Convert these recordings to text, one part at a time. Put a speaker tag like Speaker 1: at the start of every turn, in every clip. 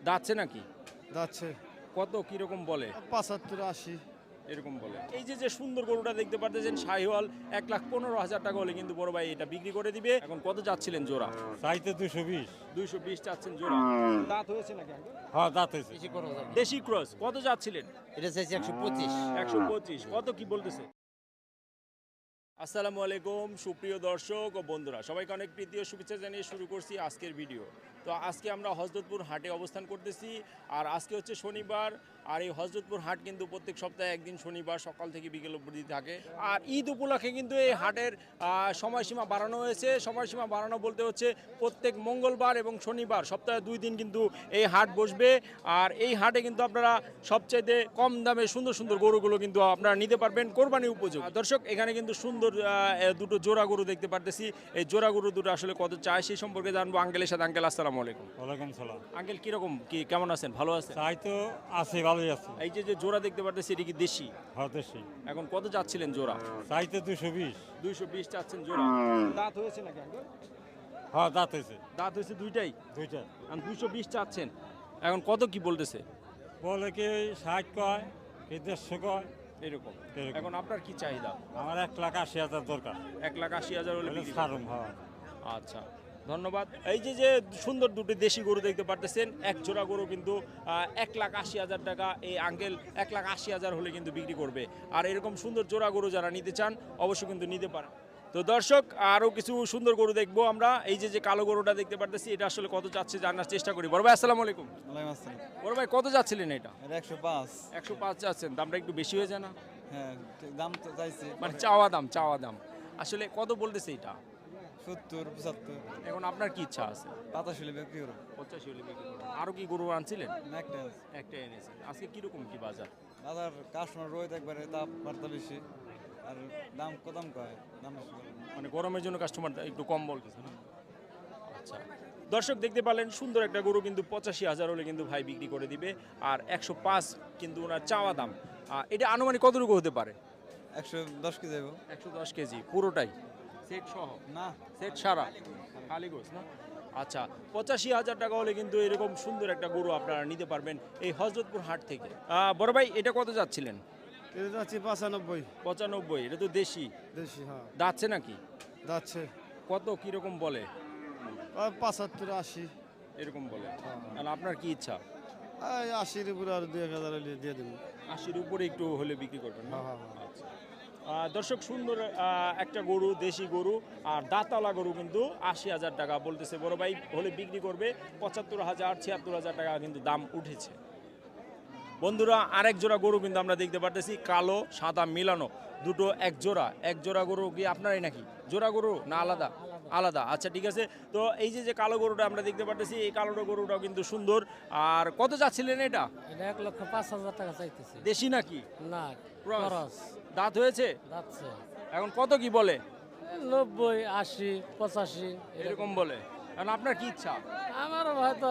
Speaker 1: যাচ্ছে নাকি?
Speaker 2: যাচ্ছে
Speaker 1: কত কিরকম বলে?
Speaker 2: 75-80।
Speaker 1: এরকম বলে। এই যে সুন্দর গরুটা দেখতে পারতেছেন শাহিওয়াল, 1,15,000 টাকা হলে কিন্তু বড় ভাই এটা বিক্রি করে দিবে। এখন কত চাচ্ছিলেন জোড়া?
Speaker 3: চাইতে 220।
Speaker 1: 220 চাচ্ছেন জোড়া। দাঁত হয়েছে নাকি আঙ্কেল?
Speaker 3: হ্যাঁ, দাঁত হয়েছে।
Speaker 1: দেশি ক্রস কত চাচ্ছিলেন?
Speaker 4: এটা চাইছি 125।
Speaker 1: 125 কত কি বলতেছে? আসসালামু আলাইকুম সুপ্রিয় দর্শক ও বন্ধুরা, সবাইকে অনেক প্রীতি ও শুভেচ্ছা জানিয়ে শুরু করছি আজকের ভিডিও। তো আজকে আমরা হযরতপুর হাটে অবস্থান করতেছি, আর আজকে হচ্ছে শনিবার। আর এই হযরতপুর হাট কিন্তু প্রত্যেক সপ্তাহে একদিন শনিবার সকাল থেকে বিকেল অবধি থাকে। আর ঈদ উপলক্ষে কিন্তু এই হাটের সময়সীমা বাড়ানো হয়েছে। সময়সীমা বাড়ানো বলতে হচ্ছে প্রত্যেক মঙ্গলবার এবং শনিবার সপ্তাহে 2 দিন কিন্তু এই হাট বসবে। আর এই হাটে কিন্তু আপনারা সবচাইতে কম দামে সুন্দর সুন্দর গরুগুলো কিন্তু আপনারা নিতে পারবেন কোরবানি উপযোগী। দর্শক, এখানে কিন্তু সুন্দর দুটো জোড়া গরু দেখতে পারতেছি। এই জোড়া গরু দুটো আসলে কত চায় সেই সম্পর্কে জানবো আঙ্কেলের সাথে। আঙ্কেল আসসালামু আলাইকুম।
Speaker 3: ওয়ালাইকুম সালাম।
Speaker 1: আঙ্কেল কিরকম কেমন আছেন? ভালো আছেন?
Speaker 3: চাই তো আছে, ভালোই আছে।
Speaker 1: এই যে জোড়া দেখতে পারতেছি এটা কি দেশি?
Speaker 3: হ্যাঁ, দেশি।
Speaker 1: এখন কত চাচ্ছিলেন জোড়া?
Speaker 3: চাইতে 220।
Speaker 1: 220 চাচ্ছেন জোড়া। দাঁত হয়েছে নাকি আঙ্কেল?
Speaker 3: হ্যাঁ, দাঁত হয়েছে।
Speaker 1: দাঁত হয়েছে দুইটাই।
Speaker 3: দুইটা।
Speaker 1: আর 220 চাচ্ছেন। এখন কত কি বলতেছে?
Speaker 3: বলে কি 60 কয়, কি 150 কয়,
Speaker 1: এরকম।
Speaker 3: এরকম।
Speaker 1: এখন আপনার কি চাহিদা?
Speaker 3: আমার 1,80,000 দরকার।
Speaker 1: 1,80,000 হলে
Speaker 3: হলে
Speaker 1: বিক্রি
Speaker 3: ছাড়ুম। হ্যাঁ।
Speaker 1: আচ্ছা, ধন্যবাদ। এই যে সুন্দর দুটি দেশি গরু দেখতে পারতেছেন, এক জোড়া গরু কিন্তু 1,80,000 টাকা এই আঙ্কেল 1,80,000 হলে কিন্তু বিক্রি করবে। আর এরকম সুন্দর জোড়া গরু যারা নিতে চান অবশ্যই কিন্তু নিতে পারেন। তো দর্শক, আরও কিছু সুন্দর গরু দেখবো আমরা। এই যে কালো গরুটা দেখতে পারতেছি, এটা আসলে কত চাচ্ছে জানার চেষ্টা করি। বড় ভাই আসসালামু আলাইকুম।
Speaker 2: ওয়ালাইকুম আসসালাম।
Speaker 1: বড় ভাই কত যাচ্ছিলেন এটা?
Speaker 2: এটা 105।
Speaker 1: 105 চাচ্ছেন, দামটা একটু বেশি হয়ে যায় না?
Speaker 2: হ্যাঁ, দাম তো চাইছি
Speaker 1: মানে চাওয়া দাম আসলে কত বলতেছে এটা?
Speaker 2: 70-75।
Speaker 1: এখন আপনার কি ইচ্ছা আছে?
Speaker 2: 85 হলে বিক্রি করব।
Speaker 1: 85 হলে বিক্রি করবেন। আরও কি গরু আনছিলেন?
Speaker 2: একটা আছে।
Speaker 1: একটা এনেছেন। আজকে কিরকম কি বাজার?
Speaker 2: বাজার কাস্টমার রোহিত একবারে তাপমাত্রা বেশি, আর দাম কদম কয়, দাম বেশি করে।
Speaker 1: মানে গরমের জন্য কাস্টমার একটু কম বলতেছে না? আচ্ছা, দর্শক দেখতে পারলেন সুন্দর একটা গরু কিন্তু 85,000 হলে কিন্তু ভাই বিক্রি করে দিবে। আর 105 কিন্তু ওনার চাওয়া দাম। এটা আনুমানিক কতটুকু হতে পারে?
Speaker 2: 110 কেজি যাবো।
Speaker 1: 110 কেজি পুরোটাই সেট সহ?
Speaker 2: না,
Speaker 1: সেট সারা খালি গোস না? আচ্ছা, 85,000 টাকা হলে কিন্তু এরকম সুন্দর একটা গরু আপনারা নিতে পারবেন এই হযরতপুর হাট থেকে। বড় ভাই এটা কত যাচ্ছিলেন?
Speaker 2: এটা যাচ্ছে 95।
Speaker 1: 95। এটা তো দেশি।
Speaker 2: দেশি, হ্যাঁ।
Speaker 1: যাচ্ছে নাকি?
Speaker 2: যাচ্ছে
Speaker 1: কত কিরকম বলে?
Speaker 2: 75-80।
Speaker 1: এরকম বলে।
Speaker 2: হ্যাঁ।
Speaker 1: আর আপনার কি ইচ্ছা?
Speaker 2: 80-র উপরে আর 2,000 হলে দিয়ে দেবো।
Speaker 1: 80-র উপরে একটু হলে বিক্রি করবেন না?
Speaker 2: হ্যাঁ, হ্যাঁ, হ্যাঁ।
Speaker 1: আচ্ছা। দর্শক, সুন্দর একটা গরু, দেশি গরু আর দাঁতালা গরু কিন্তু 80,000 টাকা বলতেছে বড় ভাই, হলে বিক্রি করবে 75,000 76,000 টাকা কিন্তু দাম উঠেছে। বন্ধুরা, আরেক জোড়া গরু কিন্তু আমরা দেখতে পারতেছি, কালো সাদা মিলানো দুটো এক জোড়া গরু কি আপনারই নাকি? জোড়া গরু না আলাদা? আলাদা। আচ্ছা, ঠিক আছে। তো এই যে কালো গরুটা আমরা দেখতে পারতেছি, এই কালো গরুটাও কিন্তু সুন্দর। আর কত চাচ্ছিলেন এটা?
Speaker 4: এটা 1,05,000 টাকা চাইতেছি।
Speaker 1: দেশি নাকি?
Speaker 4: না,
Speaker 1: ক্রস?
Speaker 4: খরচ
Speaker 1: দাঁত হয়েছে?
Speaker 4: যাচ্ছে
Speaker 1: এখন কত কি বলে?
Speaker 4: 90, 80, 85
Speaker 1: এরকম বলে। কারণ আপনার কি ইচ্ছা?
Speaker 4: আমার হয়তো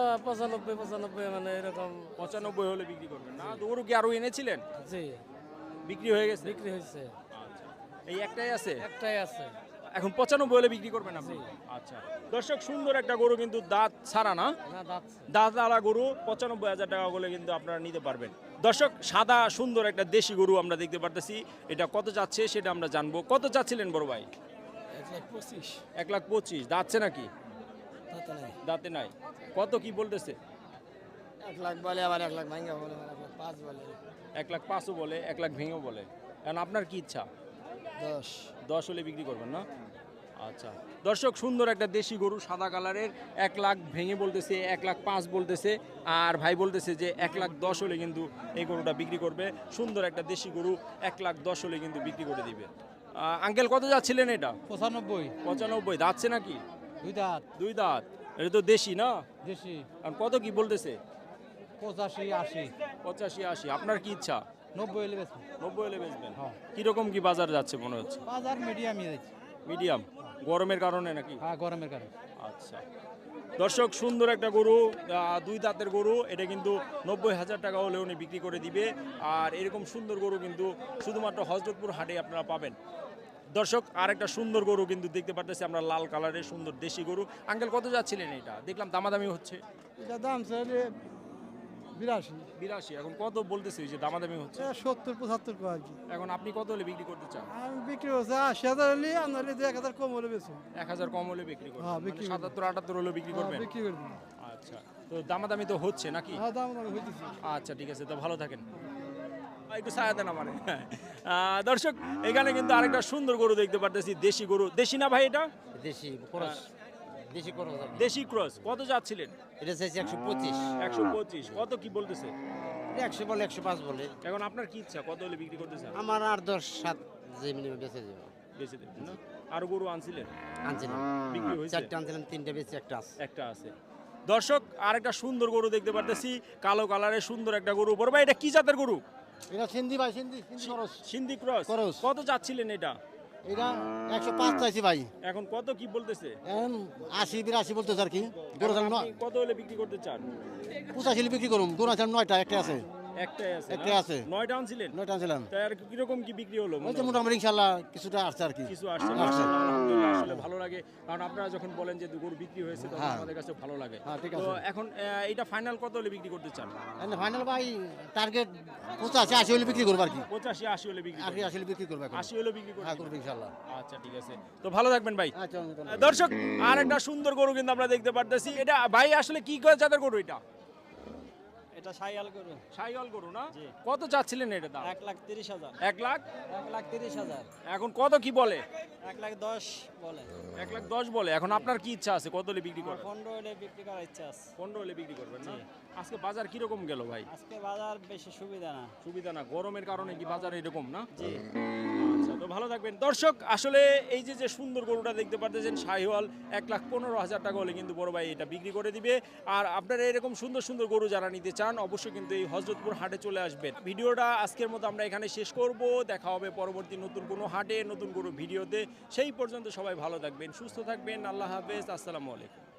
Speaker 4: 95 মানে এরকম।
Speaker 1: 95 হলে বিক্রি করবেন না? তো গরু কি আরো এনেছিলেন?
Speaker 4: জি,
Speaker 1: বিক্রি হয়ে গেছে?
Speaker 4: বিক্রি হয়েছে।
Speaker 1: আচ্ছা, এই একটাই আছে?
Speaker 4: একটাই আছে।
Speaker 1: এখন 95 হলে বিক্রি করবেন আপনি? আচ্ছা, দর্শক, সুন্দর একটা গরু কিন্তু দাঁত ছাড়া না,
Speaker 4: না, যাচ্ছে।
Speaker 1: দাঁতওয়ালা গরু 95,000 টাকা করে কিন্তু আপনারা নিতে পারবেন। দর্শক, সাদা সুন্দর একটা দেশি গরু আমরা দেখতে পারতেছি, এটা কত যাচ্ছে সেটা আমরা জানবো। কত চাচ্ছিলেন বড় ভাই?
Speaker 4: 1,25,000
Speaker 1: 1,25,000। যাচ্ছে নাকি?
Speaker 4: তাতে নাই।
Speaker 1: দাঁতে নাই। কত কি বলতেছে?
Speaker 4: 1 লাখ বলে, আবার 1 লাখ ভাঙ্গা বলে, 1,05,000 বলে।
Speaker 1: 1,05,000 বলে, 1 লাখ ভেঙেও বলে। কারণ আপনার কি ইচ্ছা?
Speaker 4: 10।
Speaker 1: 10 হলে বিক্রি করবেন না? আচ্ছা, দর্শক, সুন্দর একটা দেশি গরু সাদা কালারের, 1 লাখ ভেঙে বলতেছে, 1,05,000 বলতেছে। আর ভাই বলতেছে যে 1,10,000 হলে কিন্তু এই গরুটা বিক্রি করবে। সুন্দর একটা দেশি গরু 1,10,000 হলে কিন্তু বিক্রি করে দিবে। আঙ্কেল কত যাচ্ছিলেন এটা?
Speaker 4: 95।
Speaker 1: 95। যাচ্ছে নাকি?
Speaker 4: 2 দাঁত।
Speaker 1: 2 দাঁত। এটা তো দেশি না?
Speaker 4: দেশি।
Speaker 1: আর কত কি বলতেছে?
Speaker 4: 85, 80।
Speaker 1: 85-80। আপনার কি ইচ্ছা?
Speaker 4: 90 হলে বেচবো।
Speaker 1: 90 হলে বেচবেন?
Speaker 4: হ্যাঁ।
Speaker 1: কিরকম কি বাজার যাচ্ছে মনে হচ্ছে?
Speaker 4: বাজার মিডিয়ামই যাচ্ছে।
Speaker 1: মিডিয়াম? গরমের কারণে নাকি?
Speaker 4: হ্যাঁ, গরমের কারণে।
Speaker 1: আচ্ছা, দর্শক, সুন্দর একটা গরু, 2 দাঁতের গরু, এটা কিন্তু 90,000 টাকা হলে উনি বিক্রি করে দিবে। আর এরকম সুন্দর গরু কিন্তু শুধুমাত্র হযরতপুর হাটে আপনারা পাবেন। দর্শক, আর একটা সুন্দর গরু কিন্তু দেখতে পারতেছি আমরা, লাল কালারের সুন্দর দেশি গরু। আঙ্কেল কত যাচ্ছিলেন এটা? দেখলাম দামাদামি হচ্ছে।
Speaker 4: এটা দাম চাইলে
Speaker 5: 82
Speaker 1: 82 এখন কত বলতেছে ওই যে দামাদামি হচ্ছে
Speaker 5: 70 75 কো আর কি
Speaker 1: এখন আপনি কত হলে বিক্রি করতে চান
Speaker 5: আমি বিক্রি হচ্ছে 80,000 হলে আনলে 1000 কম হলে বেচুন
Speaker 1: 1000 কম হলে বিক্রি করবেন
Speaker 5: হ্যাঁ,
Speaker 1: মানে
Speaker 5: বিক্রি
Speaker 1: 77 78 হলে বিক্রি করবেন
Speaker 5: বিক্রি করে দিন
Speaker 1: আচ্ছা তো দামাদামি তো হচ্ছে নাকি
Speaker 5: হ্যাঁ দাম দাম হইতেছে
Speaker 1: আচ্ছা ঠিক আছে তো ভালো থাকেন একটু ছায়া দেন আমার দর্শক এখানে কিন্তু আরেকটা সুন্দর গরু দেখতে পারতেছি দেশি গরু দেশি না ভাই এটা
Speaker 6: দেশি খরচ দেশি খরচ
Speaker 1: দেশি ক্রস কত যাচ্ছিলেন
Speaker 6: এটা চাইছি 125
Speaker 1: 125 কত কি বলতেছে
Speaker 6: 100 বলে 105 বলে
Speaker 1: এখন আপনার কি ইচ্ছা কত হলে বিক্রি করতে চান
Speaker 6: আমার আর 10-7 যে মিনিমাম বেঁচে যাবে
Speaker 1: বেশি দেবেন না আর গরু আনছিলেন
Speaker 6: আনছিলাম
Speaker 1: বিক্রি হয়েছে
Speaker 6: 4টা আনছিলাম 3টা বেঁচে একটা আছে
Speaker 1: একটা আছে দর্শক আরেকটা সুন্দর গরু দেখতে পারতেছি কালো কালারের সুন্দর একটা গরু বড় ভাই এটা কি জাতের গরু
Speaker 4: এটা সিন্ধি ভাই সিন্ধি সিন্ধি খরচ
Speaker 1: সিন্ধি ক্রস
Speaker 4: ক্রস।
Speaker 1: কত যাচ্ছিলেন এটা
Speaker 4: এটা 105 চাইছি ভাই
Speaker 1: এখন কত কি বলতেছে
Speaker 4: এখন 80 82 বলতেছে আর কি গরু দাম
Speaker 1: আপনি কত হলে বিক্রি করতে চান
Speaker 4: 85 বিক্রি করুম গরু আছে 9টা একটা আছে
Speaker 1: একটাই আছে
Speaker 4: একটা
Speaker 1: না?
Speaker 4: আছে।
Speaker 1: 9টা আনছিলেন
Speaker 4: 9টা আনছিলাম
Speaker 1: তাই আর কিরকম কি বিক্রি হলো
Speaker 4: ওই তো মোটামুটি ইনশাআল্লাহ কিছুটা আসছে আর কি
Speaker 1: কিছু আসছে
Speaker 4: আসছে।
Speaker 1: আলহামদুলিল্লাহ আসলে ভালো লাগে কারণ আপনারা যখন বলেন যে গরু বিক্রি হয়েছে তখন
Speaker 4: হ্যাঁ।
Speaker 1: আমাদের কাছে ভালো লাগে
Speaker 4: হ্যাঁ, ঠিক
Speaker 1: তো
Speaker 4: আছে।
Speaker 1: এখন এটা ফাইনাল কত হলে বিক্রি করতে চান
Speaker 4: ফাইনাল ভাই টার্গেট 85 80 হলে বিক্রি করবো আর কি
Speaker 1: 85 80 হলে বিক্রি
Speaker 4: আর
Speaker 1: করবেন।
Speaker 4: 80 হলে বিক্রি করবো এখন
Speaker 1: 80 হলে বিক্রি
Speaker 4: হ্যাঁ
Speaker 1: করবেন
Speaker 4: করবো ইনশাআল্লাহ
Speaker 1: আচ্ছা ঠিক আছে তো ভালো থাকবেন ভাই
Speaker 4: আচ্ছা
Speaker 1: দর্শক আর একটা সুন্দর গরু কিন্তু আমরা দেখতে পারতেছি এটা ভাই আসলে কি করে জাতের গরু এটা
Speaker 3: এটা সাইয়াল গরু
Speaker 1: শাহিওয়াল গরু না কত চাচ্ছিলেন এটা দাম
Speaker 3: 1,30,000
Speaker 1: 1 লাখ
Speaker 3: 1,30,000
Speaker 1: এখন কত কি বলে
Speaker 3: 1,10,000 বলে
Speaker 1: 1,10,000 বলে এখন আপনার কি ইচ্ছা আছে কত হলে বিক্রি করবেন
Speaker 3: 15 হলে বিক্রি করার ইচ্ছা আছে
Speaker 1: 15 হলে বিক্রি করবেন না আজকে বাজার কিরকম গেল ভাই
Speaker 3: আজকে বাজার বেশি সুবিধা না
Speaker 1: সুবিধা না গরমের কারণে কি বাজার এরকম না জি আচ্ছা তো ভালো থাকবেন দর্শক আসলে এই যে যে সুন্দর গরুটা দেখতে পারতেছেন শাহিওয়াল 1,15,000 টাকা হলে কিন্তু বড় ভাই এটা বিক্রি করে দিবে আর আপনারা এরকম সুন্দর সুন্দর গরু যারা নিতে চান অবশ্যই কিন্তু এই হযরতপুর হাটে চলে আসবেন ভিডিওটা আজকের মতো আমরা এখানে শেষ করব দেখা হবে পরবর্তী নতুন কোনো হাটে নতুন কোনো ভিডিওতে সেই পর্যন্ত সবাই ভালো থাকবেন সুস্থ থাকবেন আল্লাহ হাফেজ আসসালামু আলাইকুম